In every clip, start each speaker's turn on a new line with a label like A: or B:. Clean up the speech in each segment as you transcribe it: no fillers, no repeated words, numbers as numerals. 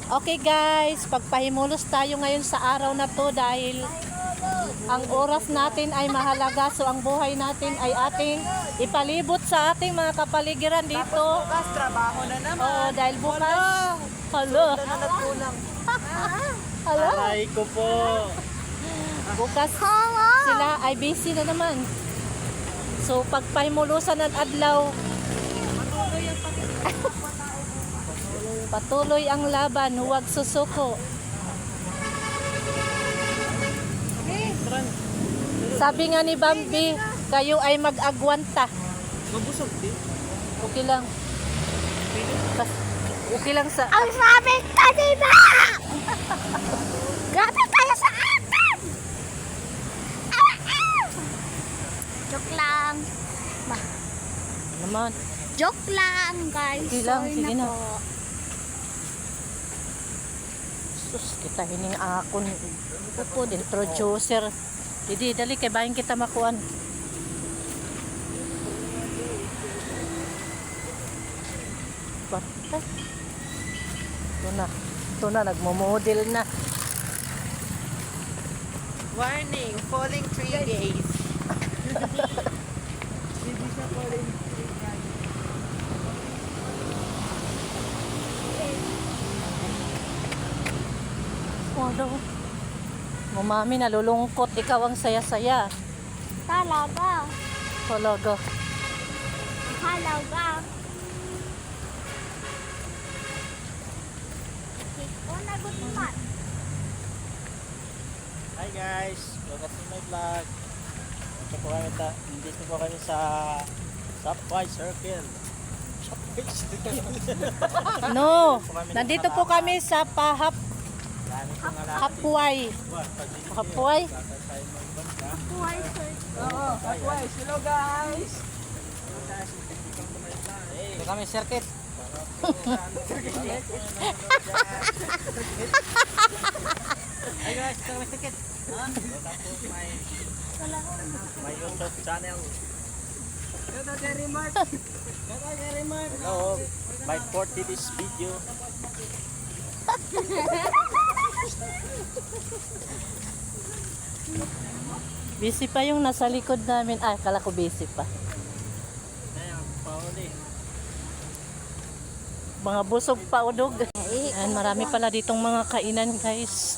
A: Okay guys, pagpahimulos tayo ngayon sa araw na to dahil ang oras natin ay mahalaga. So ang buhay natin ay ating ipalibot sa ating mga kapaligiran dito.
B: Bukas, trabaho na naman.
A: Oo, dahil bukas. Hala. Hala.
B: Aray ko po.
A: Bukas sila ay busy na naman. So pagpahimulusan ng adlaw, patuloy ang laban, huwag susuko. Sabi nga ni Bambi, kayo ay mag-agwanta.
B: Mabusog din.
A: Okay lang. Okay lang sa...
C: Ang sabi kanina! Grabe tayo sa atin! Joke lang.
A: Naman.
C: Joke lang, guys.
A: Okay lang,
C: Sorry
A: sige na.
C: po.
A: Sus, kita hining akon. Upod, introducer. Didi, dali kay bahin kita makuan. Patay. Ito na, nagmo-model na.
B: Warning, falling 3 days. Hindi siya falling 3 days.
A: Ano? Mami, nalulungkot. Ikaw ang saya-saya.
C: Talaga.
A: Talaga.
C: Halaga. Ikaw nagot naman.
B: Hi guys, welcome to my vlog. Nandito po kami sa Subway Circle. Subway Circle.
A: No, nandito po kami sa Hapway. Hapway?
C: Buhay, sir.
B: Oo, Subway. Hello guys. Ito kami circuit. Hi guys, ito kami circuit. My YouTube channel. Hello, by 40 this video.
A: Busy pa yung nasa likod namin. Ah, kala ko busy pa.
B: Ayan, pauli.
A: Mga busog pa udog. Ayan, marami pala ditong mga kainan, guys.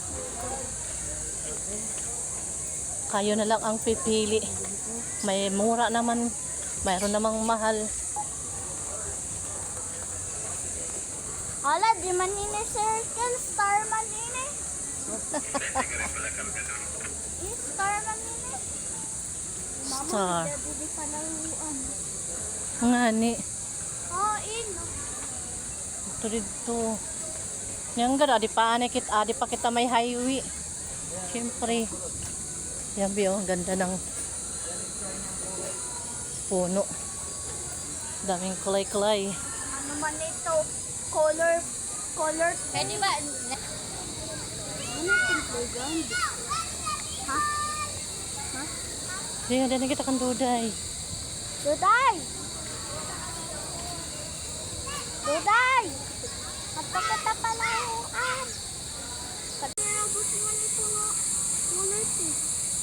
A: Kayo na lang ang pipili. May mura naman. Mayroon namang mahal.
C: Hala, di man ini circle. Star man ini. Star man ini.
A: Star.
C: Mama, hindi pa naluan.
A: Nga ni.
C: Oh, in.
A: Ito dito. Yang gara, adi pa kita may highway. Siyempre. Yan biyo, ang ganda ng puno. Daming kulay-kulay.
C: Ano man ito? Color. Pwede ba? Ano yung playground? Ha?
A: Hindi na kita kan duday.
C: Duday! Duday! Magpakita pala yung Nabot naman ito nga. Color ito.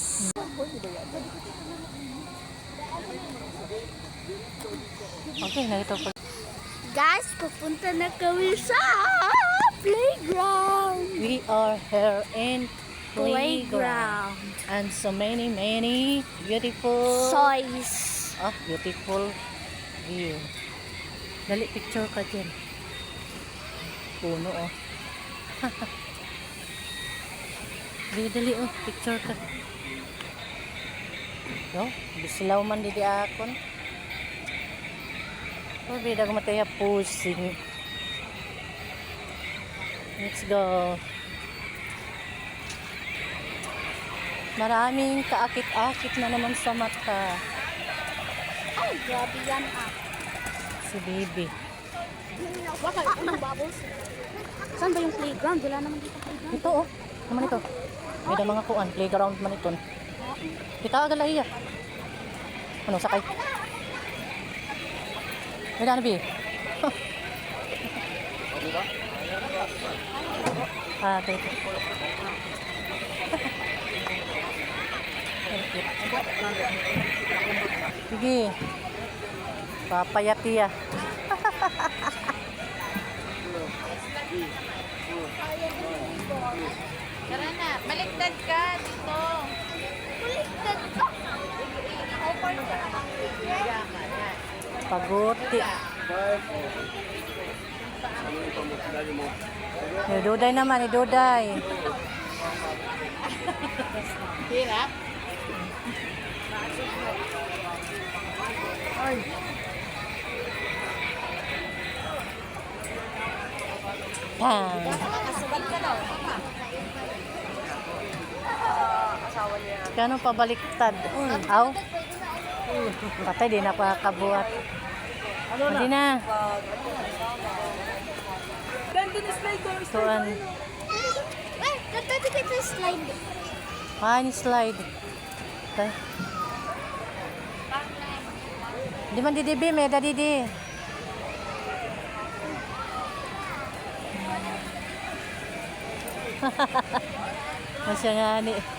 A: Okay, narito po.
C: Guys, pupunta na kami sa playground.
A: We are here in playground. And so many beautiful
C: Toys.
A: beautiful view. Dali, picture ka dyan. Puno, oh. Dali, oh. Picture ka. No? Bisilaw man di akon. Oh, bida ko mataya pusing. Let's go. Maraming kaakit-akit na naman sa mata.
C: Ay, grabe yan
A: Si baby.
C: Baka unang bubbles. Saan ba yung playground? Wala naman dito playground.
A: Ito, oh. Naman ito. May da mga kuan. Playground man ito. Kita agad lahiya. Ano, sakay? May da na, bi? Ah, teka. Sige. Papayati ah.
C: Tara na, baliktad ka dito. Baliktad ka?
A: Paguti. Iduday naman, iduday.
C: Hirap?
A: Pang.
C: Nakasubad ka daw.
A: Kano pabaliktad? Aw. Patay, di na pakakabuhat. Hindi na. Tuan.
C: Wait, pwede kita slide.
A: Ni slide. Tay. Di man didibi, may dadidi. Masya nga ni.